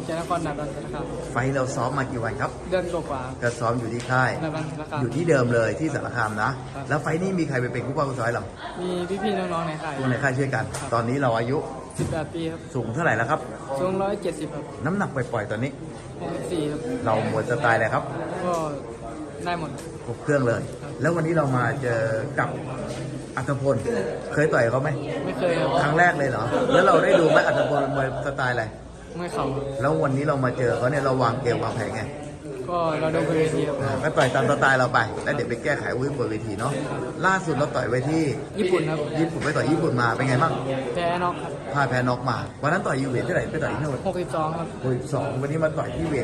จากนครนายกนะครับไฟท์เราซ้อมมากี่วันครับเดือนกว่าก็ซ้อมอยู่ที่ค่ายๆนายกนะครับอยู่ที่เดิมเลยที่สารคามนะ แล้วไฟท์นี้มีใครไปเป็นคู่ป้าคู่ซ้อยเรามีพี่ๆน้องๆในค่ายทุกในค่ายช่วยกัน ตอนนี้เราอายุ 18 ปีครับสูงเท่าไหร่แล้วครับสูง170ครับน้ำหนักปล่อยๆตอนนี้ 64ครับเราหมดสไตล์อะไรครับก็ได้หมดครบเครื่องเลย แล้ววันนี้เรามาเจอกับอัตพล เคยต่อยเขาไหมไม่เคยครับครั้งแรกเลยเหรอ แล้วเราได้ดูไหมอัตพลมวยสไตล์อะไรไม่เข่าครับแล้ววันนี้เรามาเจอเขาเนี่ยเราวางเกมวางแผนไงก็เราดูบนเวทีครับก็ต่อยตามสไตล์เราไป แล้วเดี๋ยวไปแก้ไขวุ้ยบนเวทีเนาะ ล่าสุดเราต่อยไว้ที่ญี่ปุ่นครับญี่ปุ่นไปต่อยญี่ปุ่นมาเป็นไงบ้างแพ้น็อกครับพ่ายแพ้น็อกมา วันนั้นต่อยยูเวทเท่าไหร่ไปต่อยที่โน่น 62ครับ 62วันนี้มาต่อยที่เวท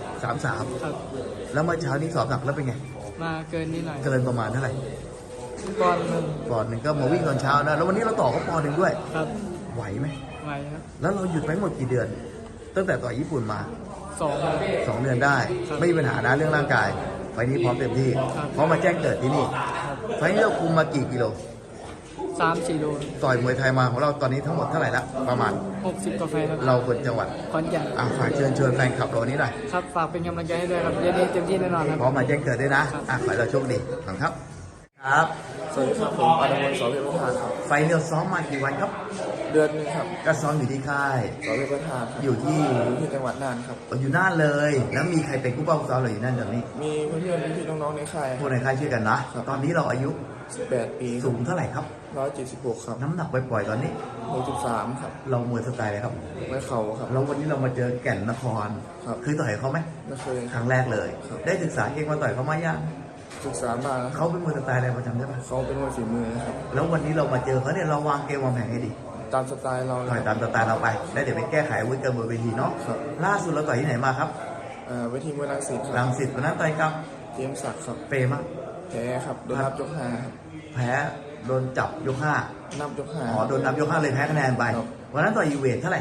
133 ครับแล้วเมื่อเช้านี้สอบหนักแล้วเป็นไงมาเกินนิดหน่อยเกินประมาณเท่าไหร่ก่อนหนึ่งปอนด์หนึ่งก็มาวิ่งตอนเช้านะ แล้ววันนี้เราต่อเขาปอนด์หนึ่งด้วยครับไหวไหมไวครับแล้วเราหยุดไปหมดกี่เดือน ตั้งแต่ต่อยญี่ปุ่นมา 2ครับ 2 เดือนได้ ไม่มีปัญหานะเรื่องร่างกาย ไฟล์นี้พร้อมเต็มที่ครับเพราะมาแจ้งเกิดที่นี่ ไฟล์นี้เราคุมมากี่กิโล 3-4 โลต่อยมวยไทยมาของเราตอนนี้ทั้งหมดเท่าไหร่ละประมาณ 60กาแฟครับเราคนจังหวัดขอนแก่นฝากเชิญชวนแฟนคลับเรานี้หน่อยครับฝากเป็นกำลังใจให้ด้วยครับเย็นนี้เต็มที่แน่นอนครับพร้อมมาแจ้งเกิดด้วยนะขอให้เราโชคดีขอบคุณครับ ครับสวัสดีครับผมอนุวัฒน์สอเพชรประธานครับไฟล์เราซ้อมมากี่วันครับเดือนหนึงครับก็ซ้อมอยู่ที่ค่ายสอเพชรประธานครับอยู่ที่อยู่ที่จังหวัดน่านครับอยู่น่านเลย แล้วมีใครเป็นผู้เป้าซ้อมเราอยู่นั่นตอนนี้มีเพื่อนๆพี่ๆน้องๆในค่ายพวกในค่ายช่วยกันนะครับตอนนี้เราอายุ 18 ปีสูงเท่าไหร่ครับ 176ครับน้ำหนักปล่อยๆตอนนี้ 63ครับเรามวยสไตล์อะไรครับไว้เข่าครับแล้ววันนี้เรามาเจอแก่นนครครับเคยต่อยเขาไหมไม่เคยครั้งแรกเลยครับได้ศึกษาเก่งมาต่อยเขามายังศึกษามาแล้วครับเขาเป็นมวยสไตล์อะไรประจำได้ปะเขาเป็นมวยฝีมือครับแล้ววันนี้เรามาเจอเขาเนี่ยเราวางเกมวางแผนให้ดีตามสไตล์เราเลต่อยยตามสไตล์เราไป แล้วเดี๋ยวไปแก้ไขอาวุ้ยกันบนเวทีเนาะครับล่าสุดเราต่อยที่ไหนมาครับเวทีมวยรังสิตครัรับงสิตวันนั้นต่อยกับเตรียมศักดิ์ครับเปรย์มั้งแพ้ครับโดนนับยก5ครับแพ้โดนจับยกห้านับยกอ๋อโดนนับยกห้าเลยแพ้คะแนนไปครับวันนั้นต่อยยูเวทเท่าไหร่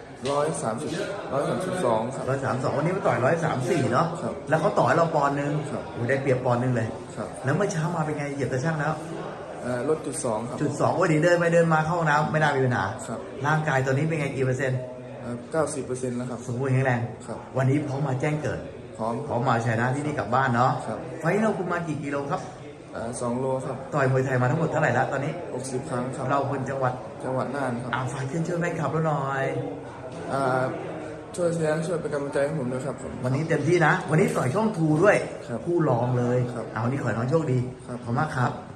132ครับ 132วันนี้มาต่อย134เนาะครับแล้วเขาต่อยเราปอนด์นึงครับโอ้ยได้เปรียบปอนด์นึงเลยครับแล้วเมื่อเช้ามาเป็นไงเหยียบตะช่างแล้วลดจุด2ครับจุดสองวันนี้เดินไปเดินมาเข้าห้องน้ำไม่น่ามีปัญหาครับร่างกายตอนนี้เป็นไงกี่เปอร์เซ็นต์ 90%แล้วครับสมบูรณ์แข็งแรงครับวันนี้พร้อมมาแจ้งเกิดพร้อมพร้อมมาชนะที่นี่กลับบ้านเนาะครับไฟท์เราคุมมากี่กิโลครับ 2 โลครับต่อยมวยไทยมาทั้งหมดเท่าไหร่ละตอนนี้ 60 ครั้งครับเราคนจังหวัดจังหวัดน่านครับฝากเชิญชวนแฟนคลับเราหน่อยอ่าช่วยเชียร์ช่วยเป็นกำลังใจให้ผมด้วยครับผมวันนี้เต็มที่นะ วันนี้ต่อยช่องทูด้วยครับคู่รองเลยครับเอาวันนี้ขอให้น้องโชคดีครับขอบคุณมากครับ